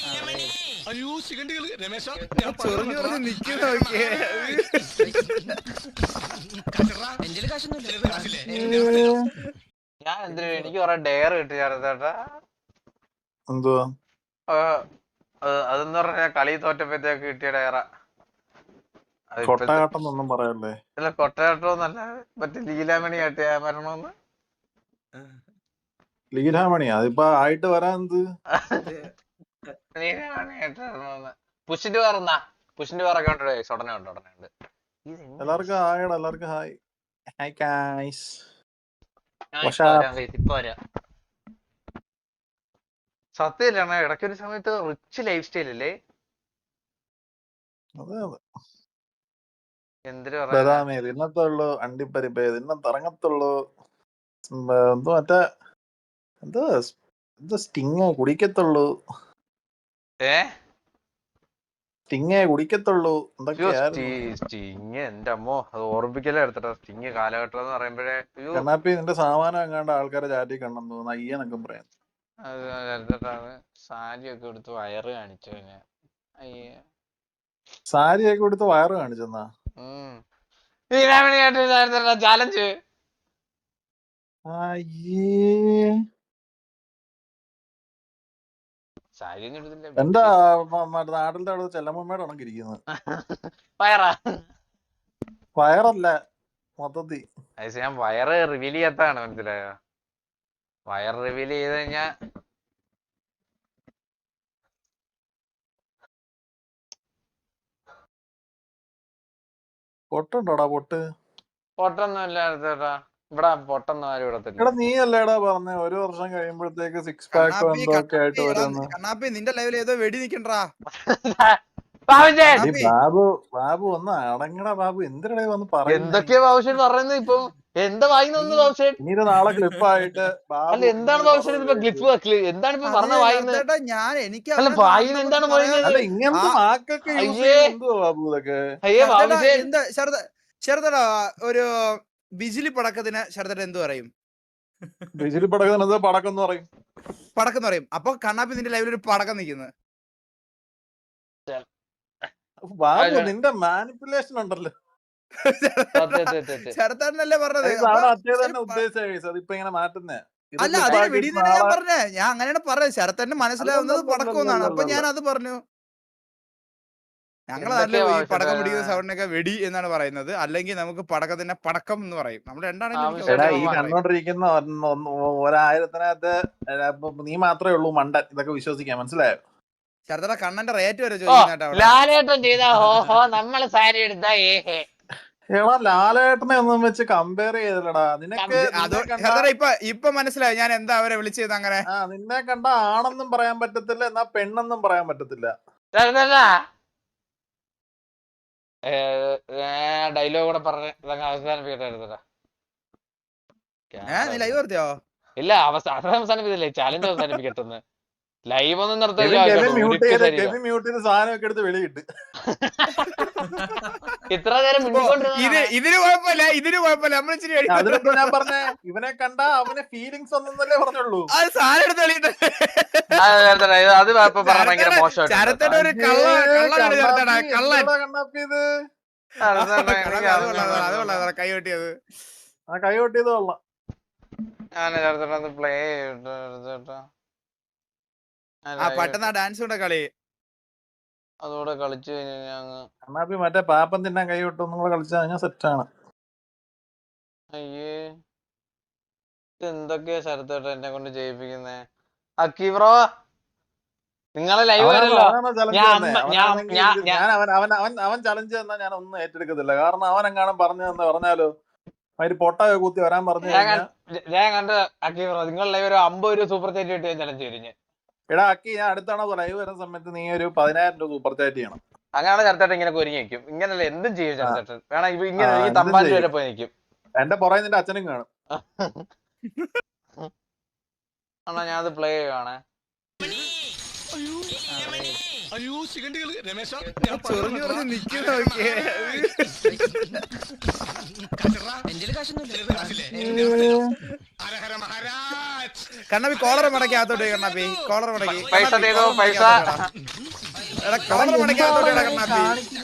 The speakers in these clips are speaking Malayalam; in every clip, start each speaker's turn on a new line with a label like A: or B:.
A: അയ്യോ ശിഖണ്ഡികൾ രമേശ
B: ചൊറിഞ്ഞു പറഞ്ഞ് നിക്കുന്ന നോക്കിയേ.
C: ഞാൻ എന്തിനു എനിക്ക് കൊറേ ഡെയർ കിട്ടി ചേട്ടാ.
D: എന്തുവാ
C: അതെന്ന് പറഞ്ഞാ കളി തോറ്റപ്പോഴത്തേക്ക് കിട്ടിയ ഡയറ.
D: കൊട്ടയാട്ടം പറയല്ലേ?
C: ഇല്ല കൊട്ടയാട്ടോന്നല്ല, മറ്റേ ലീലാമണി ആട്ടിയ മരണമെന്ന്.
D: ലീലാമണി അതിപ്പോ ആയിട്ട് വരാൻ എന്ത്?
C: ലീലാമണി ആയിട്ട് പുഷിന്റെ വേറെന്നാ പുഷിന്റെ വേറൊക്കെ ഉണ്ട്. ഉടനെ ഉണ്ട്.
D: എല്ലാവർക്കും ഹായടാ, എല്ലാവർക്കും ഹായ്. Hi guys.
C: സത്യല്ലേ ഇടയ്ക്കൊരു സമയത്ത് റിച്ച് ലൈഫ് സ്റ്റൈൽ അല്ലേ?
D: അതെ അതെ.
C: എന്തിനു
D: ബദാമേ തിന്നത്തുള്ളൂ, അണ്ടിപ്പരിപ്പേ തിന്നത്തിറങ്ങത്തുള്ളൂ, എന്തോ മറ്റേ എന്തോ സ്റ്റിങ് കുടിക്കത്തുള്ളൂ, സ്റ്റിങ്ങേ കുടിക്കത്തുള്ളൂ എന്തൊക്കെയായിരുന്നു.
C: സ്റ്റിങ് എന്റെ അമ്മോ, അത് ഓർമ്മിക്കലേ എടുത്തിട്ടോ. സ്റ്റിങ് കാലഘട്ടം എന്ന് പറയുമ്പോഴേ
D: കണ്ണാപ്പി നിന്റെ സാമാനം എങ്ങാണ്ട് ആൾക്കാരെ ചാറ്റി കണ്ണെന്ന് തോന്നുന്നു, അയ്യെന്നൊക്കെ പറയാം.
C: സാരിയൊക്കെ എടുത്ത് വയറ് കാണിച്ചു.
D: സാരിയൊക്കെ കൊടുത്ത് വയറ് കാണിച്ചെന്നാ?
C: ചാലഞ്ച്
D: എന്താ നാട്ടിലത്തെ അവിടെ ചെല്ലമ്മയുടെ ഉണക്കിരിക്കുന്നത്? വയറല്ല മൊത്തത്തി.
C: ഞാൻ വയറ് റിവീൽ ചെയ്യാത്താണ്, മനസ്സിലായോ? വയർ റിവീൽ ചെയ്ത് കഴിഞ്ഞാ
D: പൊട്ടുണ്ടോടാ?
C: പൊട്ടൊന്നും ഇല്ല ചേട്ടാ, ഇവിടെ പൊട്ടൊന്നും ആരും ഇടത്തില്ല.
D: എടാ നീ അല്ലേടാ പറഞ്ഞ 1 വർഷം കഴിയുമ്പോഴത്തേക്ക് 6 പാക്കോ എന്തൊക്കെ ആയിട്ട് വരുമെന്ന്?
B: കണ്ണാപ്പി നിന്റെ ലൈവിൽ ഏതോ വെടി നിക്കണ്ടാ.
D: ബാബു ഒന്ന് അടങ്ങടാ ബാബു, എന്തിനാ വന്ന് പറയുന്നത്?
C: എന്തൊക്കെയാ ബാബുഷേട്ട് പറയുന്നത് ഇപ്പൊ? എന്താ വായിന്ന് ബാബുഷേട്ട്?
D: ഇനി നാളെ ക്ലിപ്പായിട്ട്
C: അല്ല എന്താണ് ബാബുഷേട്ട് ഇപ്പൊ ക്ലിപ്പ് എന്താണ് ഇപ്പൊ പറഞ്ഞ വായിന്ന്?
B: ഞാൻ എനിക്ക്
C: അല്ല വായിന്ന് എന്താണ് പറയുന്നത്?
D: ഇങ്ങനത്തെ വാക്കൊക്കെ എന്തുവാ ബാബു ഇതൊക്കെ?
C: അയ്യേ ബാബുഷേട്ട്
B: എന്താ ശരതടാ, ഒരു ബിജിലി പടക്കത്തിന് ശരതട എന്ത് പറയും?
D: ബിജിലി പടക്കത്തിന് പടക്കം എന്ന് പറയും.
B: പടക്കം എന്ന് പറയും. അപ്പൊ കണ്ണാപ്പി നിന്റെ ലൈവിൽ ഒരു പടക്കം നിൽക്കുന്നത്.
D: ബാബു നിന്റെ മാനിപ്പുലേഷൻ ഉണ്ടല്ലോ.
B: ശരത്തേട്ടനല്ലേ പറഞ്ഞത്?
D: ഇപ്പൊ ഇങ്ങനെ മാറ്റുന്നേ.
B: അല്ല അതിന് വെടി തന്നെ ഞാൻ പറഞ്ഞേ. ഞാൻ അങ്ങനെയാണ് പറഞ്ഞത്. ശരത്തേട്ടന് മനസ്സിലാവുന്നത് പടക്കം എന്നാണ്. അപ്പൊ ഞാൻ അത് പറഞ്ഞു. ഞങ്ങളെ നാട്ടില് ഈ പടക്കം പിടിക്കുന്ന സൗണ്ടിനൊക്കെ വെടി എന്നാണ് പറയുന്നത്. അല്ലെങ്കിൽ നമുക്ക് പടക്കത്തിന്റെ പടക്കം എന്ന് പറയും. നമ്മൾ
D: ഈ കണ്ടോണ്ടിരിക്കുന്ന 1000-ത്തിനകത്ത് നീ മാത്രമേ ഉള്ളൂ മണ്ടൻ ഇതൊക്കെ വിശ്വസിക്കാൻ, മനസ്സിലായോ?
B: ശരത്തേട്ട കണ്ണന്റെ റേറ്റ് വരെ ചോദിക്കുന്നുണ്ട്.
D: ലാലേട്ടനെ ഒന്നും വെച്ച് കമ്പയർ ചെയ്തില്ലടാ. നിനക്ക്
B: ഇപ്പൊ മനസ്സിലായി ഞാൻ എന്താ അവരെ വിളിച്ചത്. അങ്ങനെ
D: നിന്നെ കണ്ട ആണെന്നും പറയാൻ പറ്റത്തില്ല, എന്നാ പെണ്ണെന്നും പറയാൻ പറ്റത്തില്ല.
C: ഡയലോഗ് കൂടെ പറഞ്ഞ അവസാനിപ്പിക്കട്ടെ.
B: ലൈവ് നിർത്തിയോ?
C: ഇല്ല അവസാനിപ്പിച്ചില്ലേ, ചാലഞ്ച് അവസാനിപ്പിക്കട്ടെന്ന്. ലൈവ് ഒന്നും നിർത്തില്ല. ഇത്ര നേരം
B: ഇതിന് കുഴപ്പമില്ല, ഇതിന് കുഴപ്പമില്ല.
D: ഞാൻ പറഞ്ഞേ ഇവനെ കണ്ട അവനെ ഫീലിങ്സ് ഒന്നല്ലേ പറഞ്ഞുള്ളൂ.
B: അത് സാധനം എടുത്ത് കളിയിട്ട്
C: അത് ഭയങ്കര മോശം.
B: ശരത്തേട്ട ഒരു കൈ കൊട്ടിയത്
D: കൊള്ളാം.
C: ഞാൻ പ്ലേ
B: പെട്ടെന്ന് ഡാൻസ് കൂടെ കളി
C: അതോടെ കളിച്ചു കഴിഞ്ഞാൽ
D: മറ്റേ പാപ്പം തിന്നാൻ കൈ വിട്ടൊന്നും കൂടെ കളിച്ചാൽ കഴിഞ്ഞാൽ സെറ്റാണ്.
C: അയ്യേ എന്തൊക്കെയാ ശരത്തേട്ട എന്നെ കൊണ്ട് ചെയ്യിപ്പിക്കുന്നേ? അക്കി ബ്രോ നിങ്ങളെ ലൈവ് വരല്ലോ.
D: അവൻ ചലഞ്ച് തന്നാ ഞാൻ ഒന്നും ഏറ്റെടുക്കത്തില്ല. കാരണം അവൻ എങ്ങാനും പറഞ്ഞാലോ അതിന് പൊട്ടൊക്കെ കുത്തി വരാൻ പറഞ്ഞു.
C: ഞാൻ കണ്ട അക്കി ബ്രോ നിങ്ങൾ ലൈവ് ഒരു 50 രൂപ സൂപ്പർ ചാറ്റ് കിട്ടി ചലഞ്ച് കഴിഞ്ഞ്.
D: എടാ അക്കി ഞാൻ അടുത്താണോ ലൈവ് വരുന്ന സമയത്ത് നീ ഒരു 10,000 രൂപ സൂപ്പർ ചാറ്റ് ചെയ്യണം.
C: അങ്ങനെയാണ് ചരത്തേട്ടൻ ഇങ്ങനെ ഒരുങ്ങി നിൽക്കും. ഇങ്ങനല്ലേ എന്തും ചെയ്യും ചരത്തേട്ടൻ. വേണം ഇപ്പൊ ഇങ്ങനെ തമ്പാൻ വരെ പോയി നിൽക്കും.
D: എന്റെ പുറകെ നിന്റെ അച്ഛനും കാണും.
C: ആണോ ഞാൻ അത് പ്ലേ ചെയ്യുവാണേ.
A: അയ്യോ ശിഖണ്ഡികൾ രമേശ
B: ചൊറിഞ്ഞു പറഞ്ഞ് നിക്കുന്ന നോക്കിയേ.
A: മഹാരാജ്
B: കണ്ണാപ്പി കോളർ മടക്കാത്തോട്ട് കണ്ണാപ്പി കോളർ മടക്കി
C: പൈസ തേതോ പൈസ
B: എടാ കോളർ മടക്കാത്തോട്ട് കണ്ണാപ്പി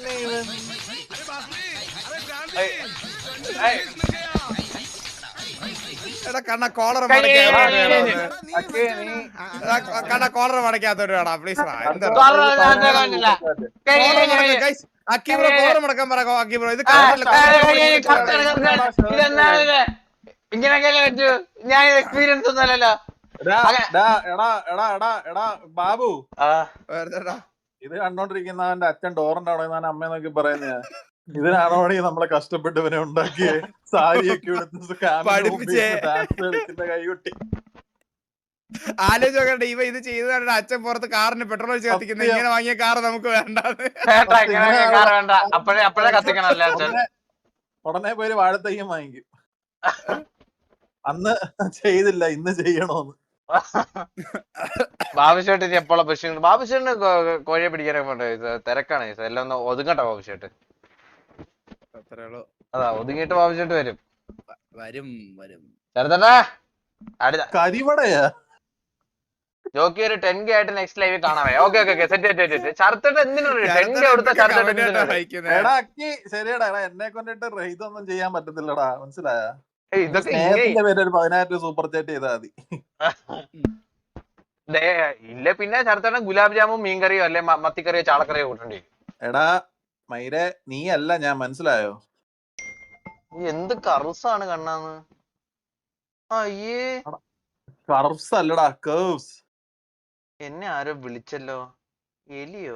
B: എടാ കണ്ണ കോളർ കണ്ണ കോളർ മടക്കാത്തോട്ട് വേടാ പ്ലീസ് അക്കി ബ്രോ കോളർ മടക്കാൻ പറ അക്കി ബ്രോ ഇത്
C: ഇങ്ങനെയൊക്കെ പറ്റൂ ഞാൻ എക്സ്പീരിയൻസ് ഒന്നുമല്ലല്ലോ
D: എടാ ബാബു ഇത് കണ്ടോണ്ടിരിക്കുന്നവന്റെ അച്ഛൻ ഡോറിന്റെ അവിടെ നിന്നാണ് അമ്മയെ നോക്കി പറയുന്നത് ഇതിനാണോ നമ്മളെ കഷ്ടപ്പെട്ട് ഇവനെ ഉണ്ടാക്കിയേ സാരിയൊക്കെ എടുത്ത് കൈകൊട്ടി
B: ആലോചിച്ചോക്കട്ടെ ഇവ ഇത് ചെയ്തതാണ് അച്ഛൻ പുറത്ത് കാറിന് പെട്രോൾ ഒഴിച്ച് കത്തിക്കുന്നത് ഇങ്ങനെ വാങ്ങിയ കാർ നമുക്ക് വേണ്ടത്
C: വേണ്ട അപ്പഴേ കത്തിക്കണല്ലേ അച്ഛൻ
D: ഉടനെ പോയി വാഴത്തയ്യം വാങ്ങിക്കും അന്ന് ചെയ്തില്ല ഇന്ന് ചെയ്യണോന്ന്
C: ബാബുശേട്ട് എപ്പോഴാ ബസ് ബാബുശേട്ടിന് കോഴിയെ പിടിക്കാനൊക്കെ പോണ്ടേ തിരക്കാണ് എല്ലാം ഒന്ന് ഒതുങ്ങട്ടെ ബാബുശേട്ട് അതാ ഒതുങ്ങിയിട്ട് ബാബുശേട്ട് വരും ചെറുതട്ടാ അടുത്ത
D: കരിവടയാ
C: ജോക്കി ഒരു 10K ആയിട്ട് നെക്സ്റ്റ് ലൈവ് കാണാമേ ഓക്കെ സെറ്റ് ചർത്തട്ട് എന്തിനാണ് 10K കൊടുത്ത
D: എടാ അക്കി ശരിയടാ എന്നെ കൊണ്ടിട്ട് ഇതൊന്നും ചെയ്യാൻ പറ്റത്തില്ലടാ മനസ്സിലായ
C: ഇതൊക്കെ
D: പേര് ഒരു 10,000 സൂപ്പർ ചാറ്റ് ചെയ്താൽ മതി
C: ഇല്ല പിന്നെ ചർത്തട്ടൻ ഗുലാബ് ജാമും മീൻകറിയോ അല്ലെ മത്തിക്കറിയോ ചാളക്കറിയോ കൂട്ടണ്ടി
D: എടാ മൈരെ നീ അല്ല ഞാൻ മനസ്സിലായോ
C: എന്ത് കറുസാണ് കണ്ണാന്ന് അയ്യേ
D: കർവ്സ് അല്ലടാ കേവ്സ്
C: എന്നെ ആരോ വിളിച്ചല്ലോ എലിയോ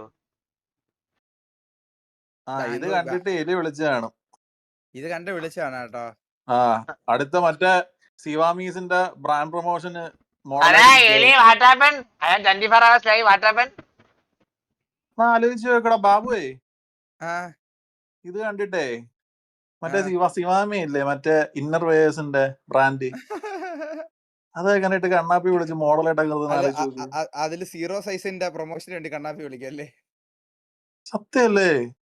D: ഇത് കണ്ടിട്ട് എലി വിളിച്ചതാണ്
B: ഇത് കണ്ട് വിളിച്ചാണ് കേട്ടോ
D: അടുത്ത മറ്റേ സിവാമീസിന്റെ ബ്രാൻഡ് പ്രൊമോഷന് ആലോചിച്ച് നോക്കടാ ബാബുവേ ഇത് കണ്ടിട്ടേ മറ്റേ സിവാമി ഇല്ലേ മറ്റേ ഇന്നർ വേഴ്സിന്റെ ബ്രാൻഡ് അതൊക്കെ കണ്ടിട്ട് കണ്ണാപ്പി വിളിച്ച് മോഡലായിട്ടൊക്കെ
B: അതില് 0 സൈസിന്റെ പ്രൊമോഷന് വേണ്ടി കണ്ണാപ്പി വിളിക്കല്ലേ
D: സത്യല്ലേ